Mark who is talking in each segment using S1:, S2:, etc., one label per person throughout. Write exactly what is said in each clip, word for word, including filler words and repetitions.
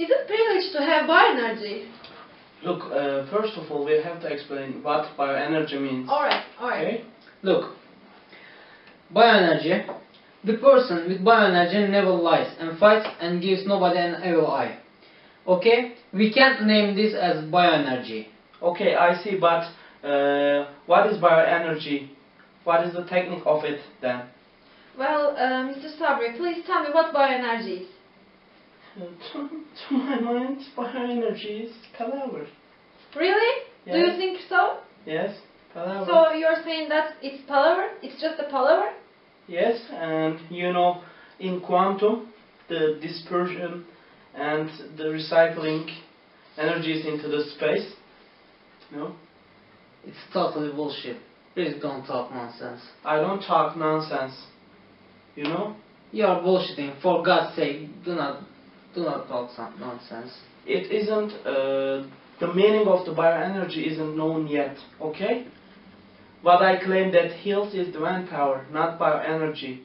S1: Is it privilege to have bioenergy?
S2: Look, uh, first of all, we have to explain what bioenergy means.
S1: Alright, alright.
S2: Okay?
S3: Look, bioenergy. The person with bioenergy never lies and fights and gives nobody an evil eye. Okay? We can't name this as bioenergy.
S2: Okay, I see, but uh, what is bioenergy? What is the technique of it then?
S1: Well, uh, Mister Sabri, please tell me what bioenergy is.
S2: To, to my mind, bioenergy is palaver.
S1: Really?
S2: Yes.
S1: Do you think so?
S2: Yes, palaver.
S1: So you're saying that it's palaver? It's just a palaver?
S2: Yes, and you know, in quantum, the dispersion and the recycling energies into the space, no?
S3: It's totally bullshit. Please don't talk nonsense.
S2: I don't talk nonsense, you know?
S3: You are bullshitting. For God's sake, do not, do not talk some nonsense.
S2: It isn't, uh, the meaning of the bioenergy isn't known yet, okay? What I claim that heals is divine power, not bioenergy.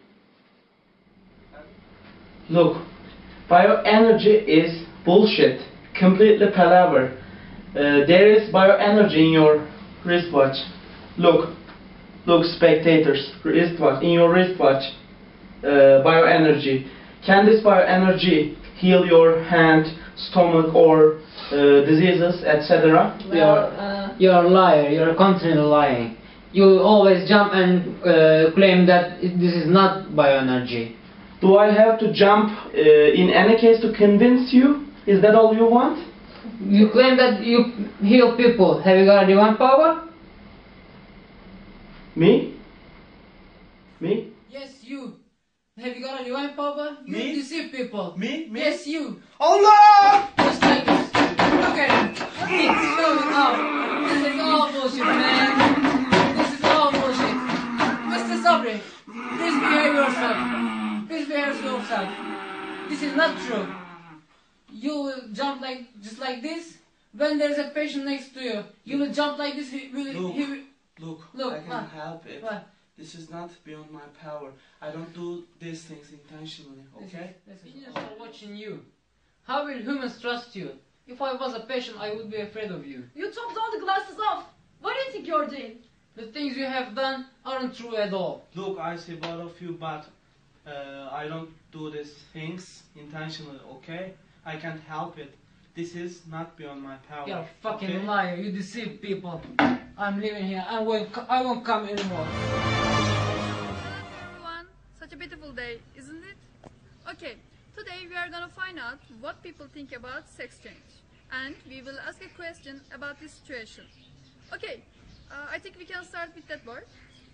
S2: Look, bioenergy is bullshit, completely palaver. Uh, there is bioenergy in your wristwatch. Look, look, spectators, wristwatch, in your wristwatch, uh, bioenergy. Can this bioenergy heal your hand, stomach, or uh, diseases, et cetera?
S1: Well,
S3: You're,
S1: uh,
S3: you're a liar. You're continually lying. You always jump and uh, claim that it, this is not bioenergy.
S2: Do I have to jump uh, in any case to convince you? Is that all you want?
S3: You claim that you heal people. Have you got a divine power?
S2: Me? Me?
S3: Yes, you. Have you got a divine power? You
S2: Me?
S3: deceive people.
S2: Me? Me?
S3: Yes, you.
S2: Allah!
S3: Just like this. Look at him. He's showing up. This is all bullshit, man. This is all bullshit. Mister Sabri, please behave yourself. Please behave yourself. This is not true. You will jump like just like this. When there is a patient next to you, you will jump like this. He will.
S2: Look,
S3: He will
S2: look,
S3: Look,
S2: I can
S3: what?
S2: help it.
S3: What?
S2: This is not beyond my power. I don't do these things intentionally, okay?
S3: Opinions are watching you. How will humans trust you? If I was a patient, I would be afraid of you.
S1: you took all the glasses off. What do you think you're doing?
S3: The things you have done aren't true at all.
S2: Look, I see both of you, but uh, I don't do these things intentionally, okay? I can't help it. This is not beyond my power.
S3: You're a fucking
S2: okay?
S3: liar. You deceive people. I'm leaving here. I won't. I won't come anymore.
S4: Everyone, such a beautiful day, isn't it? Okay, today we are gonna find out what people think about sex change, and we will ask a question about this situation. Okay, uh, I think we can start with that boy.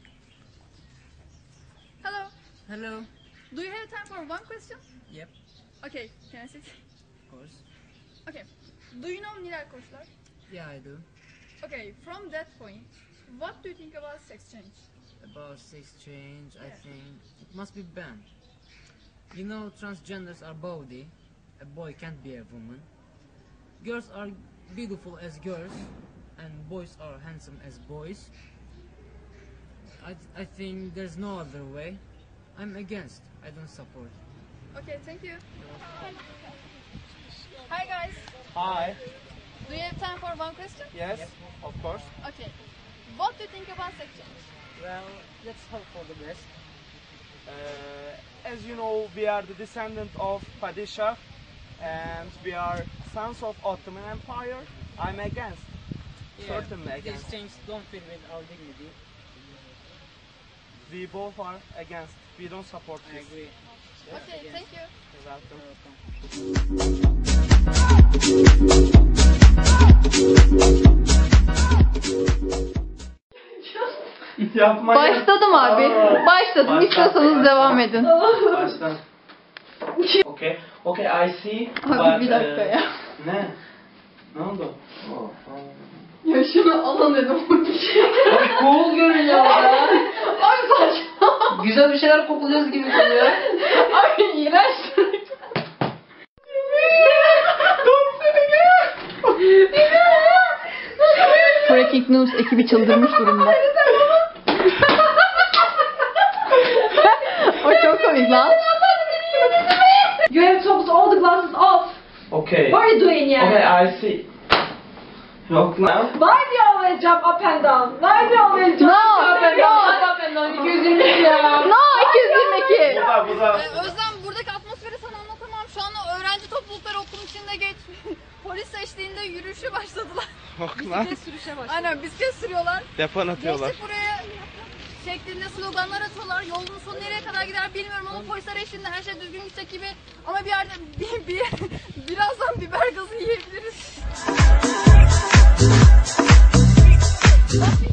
S4: Hello,
S3: Hello.
S4: do you have time for one question?
S3: Yep.
S4: Okay, can I sit?
S3: Of course.
S4: Okay, do you know Nilay Koçlar?
S3: Yeah, I do.
S4: Okay, from that point, what do you think about sex change?
S3: About sex change, I
S4: Yeah.
S3: think it must be banned. You know, transgenders are body. A boy can't be a woman. Girls are beautiful as girls, and boys are handsome as boys. I I think there's no other way. I'm against. I don't support.
S4: Okay, thank you. Hi guys,
S2: Hi.
S4: do you have time for one question?
S2: Yes, of course.
S4: Okay, what do you think about sex change?
S3: Well, let's hope for the best.
S2: Uh, as you know, we are the descendant of Padishah, and we are sons of Ottoman Empire. I'm against. Certainly against.
S3: These things don't fit with our dignity.
S2: We both are against. We don't support
S3: I
S2: this.
S3: agree.
S4: Okay, thank you.
S2: You're welcome. Yapma ya.
S4: Başladım abi.
S2: Aa.
S4: Başladım.
S2: Başla.
S4: İstiyorsanız devam edin.
S2: Baştan. Okay, okay, I see.
S4: Abi
S2: but,
S4: bir dakika
S2: uh,
S4: ya.
S2: Ne? Ne oldu?
S4: Ya şunu alın dedim.
S3: Abi cool görünüyor ya.
S4: Abi saçma.
S3: Güzel bir şeyler kokuluyoruz gibi geliyor.
S4: Abi iğrenç. Breaking News ekibi çıldırmış durumda. O çok komik lan.
S1: You have took all the glasses off.
S2: Okay.
S1: What are you doing here?
S2: Okay, I see. Yok lan.
S1: Why do you always jump up and down? Why do you always jump
S5: No,
S1: up and
S5: no.
S1: down? Up and down. iki yüz yirmi iki ya.
S5: No, iki yüz yirmi iki.
S2: Bu da bu da.
S4: Ee, Özlem, buradaki atmosferi sana anlatamam. Şu anda öğrenci toplulukları okulun içinde geç. Polis eşliğinde yürüyüşe başladılar.
S3: Bisiklet sürüşe başladı.
S4: Aynen, bisiklet sürüyorlar.
S6: Depan atıyorlar.
S4: Geçtik buraya şeklinde sloganlar atıyorlar. Yolun sonu nereye kadar gider bilmiyorum ama polisler eşliğinde her şey düzgün gidecek gibi. Ama bir yerde bir, bir, birazdan biber gazı yiyebiliriz.